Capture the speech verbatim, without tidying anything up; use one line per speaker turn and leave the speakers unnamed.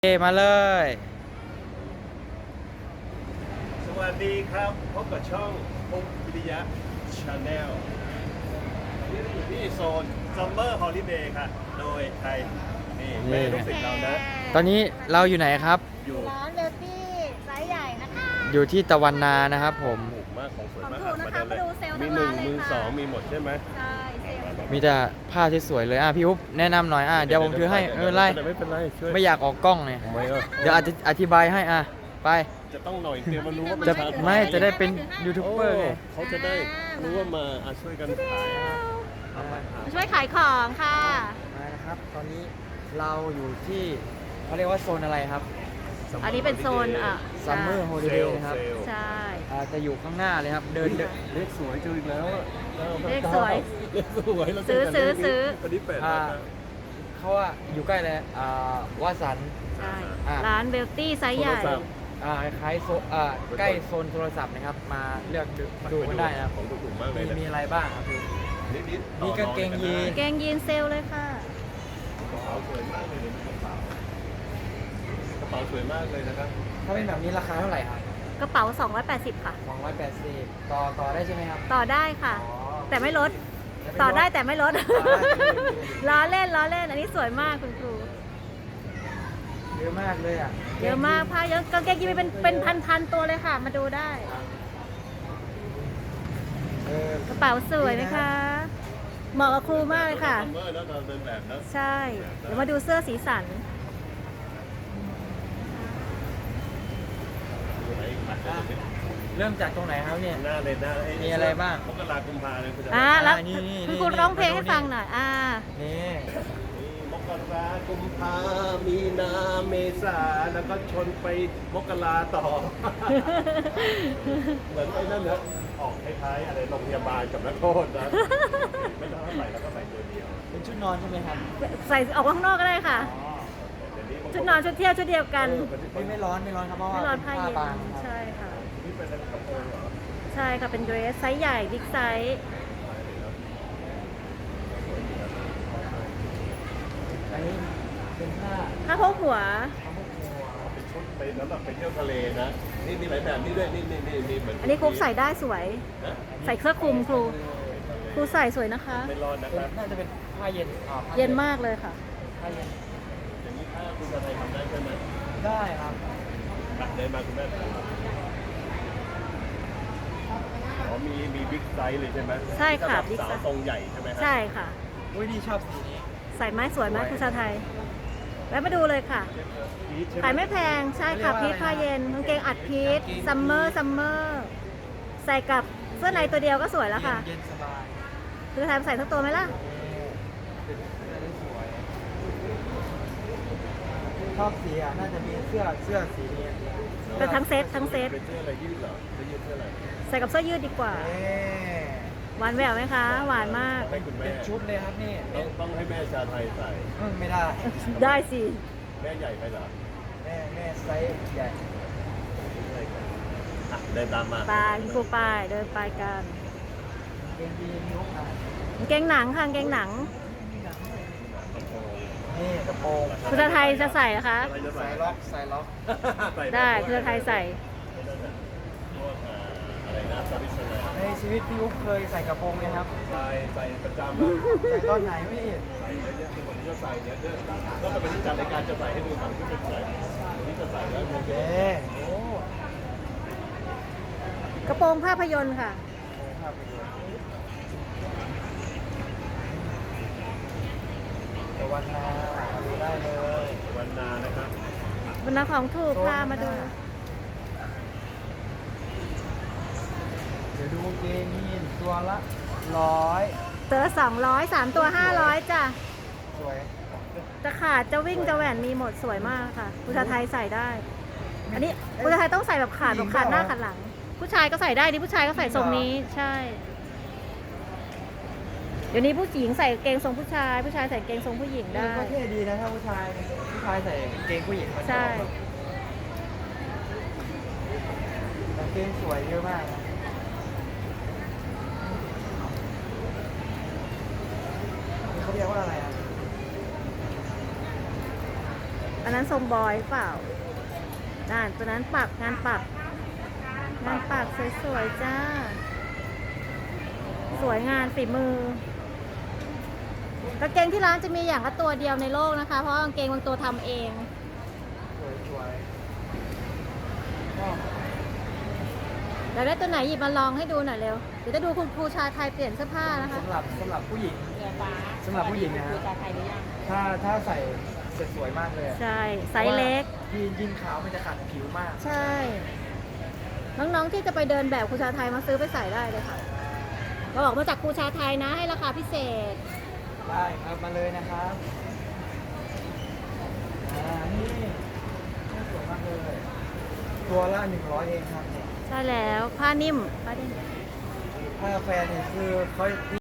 เอมาเลย
สวัสดีครับพบกับช่องพบวิทยาชาแนลนี่เราอยู่ที่โซน Summer Holiday ค่ะ โดยใครนี่แม่ลูกศิษย์เรานะ
ตอนนี้เราอยู่ไหนครับ
อยู่
ร้านเบลตี้ไซส์ใหญ่นะคะ
อยู่ที่ตะวันนานะครับผม
ถูกมากของสวยมาก
ของถูกนะคะ
มา
มาดูเซลล์
มี
ทั้ง
หนึ่
ร้าง นเลย
มือ
ค่ะ
สองมีหมดใช่ไหม
ใช่เซลล์
มีแต่ผ้าที่สวยเลยอ่ะพี่อุ๊บแนะนำหน่อยอ่ะเดี๋ยวผมถือให้ไม่เป็นไร
ไม่เป็นไรช่วย
ไม่อยากออกกล้องเนี่ย
ทำไมอ่ะ
เดี๋ยวอธิอธิบายให้อ่ะไป
จะต้องหน่อยเดียวมารู้ว่าเป็น
จะ
ชา
ไม่จะได้เป็นยูทูบ
โอ้
เบอร์ไง
เขาจะได้รู้ว่ามาอ่ะช่วยกันขายเอามาขาย
มาช่วยขายของค่ะ
มานะครับตอนนี้เราอยู่ที่เขาเรียกว่าโซนอะไรครับ
อันนี้เป็นโซนอ่ะ
Summer
เซ
Holiday
ลล์
นะครับ
เซลล์
ใช่
อ่าจะอยู่ข้างหน้าเลยครับเดินเดิน
เลขสวยเจออีกแล้วอะ
เลขสวย
เลขสวยเราเจ
ซื้อ
กัน
ซื้อ
เลขนี้
ซื้อ
อันนี้แปด
อ่า
นะครับ
เขาว่าอยู่ใกล้เลยอ่าวาสัน
ใช่
อ่ะ
ร้านเบลตี้ไซส์ใหญ่
โทรศัพท์
อ่าคล้ายโซอ่าใกล้โซนโทรศัพท์นะครับ มาเลือกดูดูกันได้นะครับ
ของถูกๆมากเล
มี
ยนะ
มีอะไรบ้างครับพี่
นิดๆ
มีกางเกงยีน
เกงยีนเซลลเลยค่ะ
กระเป๋าสวยมากเลยในกระเป๋ากระเป๋าสวยมากเลยนะครับ
ถ้าเป็นแบบนี้ราคาเท่าไหร่ครับ
กระเป๋า สองร้อยแปดสิบ ค่ะ
สองร้อยแปดสิบต่อต่อได้ใช่ไหมครับ
ต่อได้ค่ะ
อ๋อ
แต่ไม่ลด
แล้ว
ต่อได้
ล
แต่ไม่ลด
ต่อได้แต่ไม่ลด
ล้อเล่นล้อเล่น อันนี้สวยมากคุณครู
เยอะมากเลยอ่ะ
เยอะมากผ้าเยอะกางเกงยีนเป็นเป็นพันๆตัวเลยค่ะ มาดูได้
เออก
ระเป๋าสวยไหมคะ เหมาะกับครูมากเลยค่ะ
ซัมเมอร์แล้วเราเดินแบบนะ
ใช่ เดี๋ยวมาดูเสื้อสีสัน
ดูไหนอีกไหม
เริ่มจากตรงไหนครับเนี่ย
หน้าเลยหน้า
มีอะไรบ้าง
มกรากุมภาเลยคุณจะ
อ่า แล้ว
นี่นี่
คุณ
นี่
ครูร้องเพลงให้
มาดูนี่
ฟังหน่อย อ่า
นี่
มีมกรากุมภามีนาเมษาแล้วก็ชนไปมกราต่อ เหมือนไอ้นั่นเนอะออกคล้ายๆอะไรโรงพยาบาลกับนักโทษนะไม่ต้องเท่าไหร่แล้วก็ใส่ตัวเดียว
เป็นชุดนอนใช่ไหมครับ
ใส่ออกข้างนอกก็ได้ค่ะ
อ๋อ
เดี๋ยวนี้บางค
ชุดนอนชุดเที่ยวชุดเดียวกัน
เออ
ไม่ไม่ร้อนไม่ร้อนครับเพราะว่า
ไม่ร้อน
เป็
ผ้าเย็น
บางครับ
ใช่ค่ะ
นี่เป็นกระโปรงเหรอ
ใช่ค่ะ เป็นเดรสไซส์ใหญ่ บิ๊กไซส์
อันนี้เป็นผ้า
ผ้าโพกหัว
เป็นชุดไปสำหรับไปเที่ยวทะเลนะ นี่มีหลายแบบนี่ด้วย นี่นี่นี่นี่เหมือน
อันนี้ครูใส่ได้สวย
นะ
ใส่เสื้อคลุมครู ครูใส่สวยนะคะ
ไม่ร้อนนะค
เป็น
รับ
น่าจะเป็นผ้าเย็นอ่าผ้า
เย็นมากเลยค่ะ
ผ้าเย็น
อย่างนี้ถ้าคุณจะไทยทำได้ใช่ไหม
ได้ครับ
ตัดได้มาคุณแม่อ๋อมีมีบิ๊กไซส์เลยใช่ไหม
ใช่ค่ะ
บิ๊
big
กสาว
size
ทรงใหญ่ใช่ไหมฮะ
ใช่ค่ะ
อุ้ยนี่ชอบสีนี้
ใส่ไม้สวยไหมครูชาไทย แวะมาดูเลยค่ะ
พีชใช่ไหม
ขายไม่แพง ใช่ค่ะพีทผ้าเย็นกางเกงอัดพีทซัมเมอร์ซัมเมอร์ใส่กับเสื้อในตัวเดียวก็สวยแล้วค่ะ
เย็นสบาย
คือทายใส่ทั้งตัวไหมล่ะ
เป็นเสื้อที่สวยชอบสีอ่ะน่าจะมีเสื้อเสื้อสีนี้
เป็นทั้งเซตทั้งเซต
เป็นเสื้ออะไรยืดเหรอเสื้อยืดเสื้ออะไร
ใส่กับเสื้อยืดดีกว่า
เอ๊ะ
หวานแหววไหมคะ หวานมาก
ให้คุณแม่
เป็นชุดเลยครับนี่
ต้องต้องให้แม่ชาไทยใส่
อืมไม่ได้
ได้สิ
แม่ใหญ่ไปเหรอ
แม่แม่ไซส์ใหญ่
อ่ะเดินตามมา
ไปคุณครูไปเดินไปกัน
เกงยีนยกอ่ะ
กางเกงหนังค่ะกางเกงหนัง
นี่กระโปรง
คุณชาไทยจะใส่นะคะ
อะไรจะ
ใส่
ใส่
ล็อกใส่ล็อก
ใส่แบบ
ได้คุณชาไทยใส่
พวกอ่าอะไรนะซาบิสนา
ในชีวิตพี่อุ๊บเคยใส่กระโปรงไหมครับ
ใส่ใส่ประจำอะ
ใส่ตอนไหนไม่เห็น
ใส่เยอะๆคือวันนี้ก็ใส่เนี่ยเยอะก็เป็นวันที่จัดรายการจะใส่ให้ดูหนังที่เป็นใส่วันนี้จะใส่แล้วโอเค
เอ๊ะโอ้
กระโปรงภาพยนตร์ค่ะ
ภาพไปดูตะวันนามาดูได้เลย
วันนานะครับ
บนนักของถูกพามาดู
เดี๋ยวดูเกงยีนตัวละร้อย
ตัวสองร้อยสามตัวห้าร้อยจ้ะ
สวย
จะขาดจะวิ่งจะแหวนมีหมดสวยมากค่ะคุณชาไทยใส่ได้ อันนี้คุณชาไทยต้องใส่แบบขาดแบบขาดหน้าขาดหลัง ผู้ชายก็ใส่ได้ดิผู้ชายก็ใส่ทรงนี้ใช่ เดี๋ยวนี้ผู้หญิงใส่กางเกงทรงผู้ชาย ผู้ชายใส่กางเกงทรงผู้หญิงได้
ก็เท่ดีนะถ้าผู้ชายผู้ชายใส่กางเกงผู้หญิงมัน
ใช่
กางเกงสวยเยอะมากนะนี่เขาเรียกว่าอะไรอ่ะ
อันนั้นทรงบอยเปล่าด้านตัวนั้นปักงานปัก งานปักสวยๆจ้า สวยงานฝีมือกางเกงที่ร้านจะมีอย่างละตัวเดียวในโลกนะคะ เพราะกางเกงบางตัวทำเอง
สวยๆก็
เดี๋ยวได้ตัวไหนหยิบมาลองให้ดูหน่อยเร็ว เดี๋ยวจะดูคุณครูชาไทยเปลี่ยนเสื้อผ้านะคะ
สำหรับสำหรับผู้หญิง
เรือฟ้า
สำหรับผู้หญิงนะ
ครูชาไทยหรือยัง
ถ้าถ้าใส่เสร็จสวยมากเลยอะ
ใช่ ไซส์เล็ก
ยีนยีนขาวมันจะขัดผิวมาก
ใช่ น้องๆที่จะไปเดินแบบครูชาไทยมาซื้อไปใส่ได้เลยค่ะเราบอกมาจากครูชาไทยนะให้ราคาพิเศษ
ได้ครับมาเลยนะครับอ่านี่นี่สวยมากเลย ตัวละหนึ่งร้อยเองครับเนี่ย
ใช่แล้วผ้านิ่มผ้านิ่ม
ถ้าแฟนเนี่ยคือเขา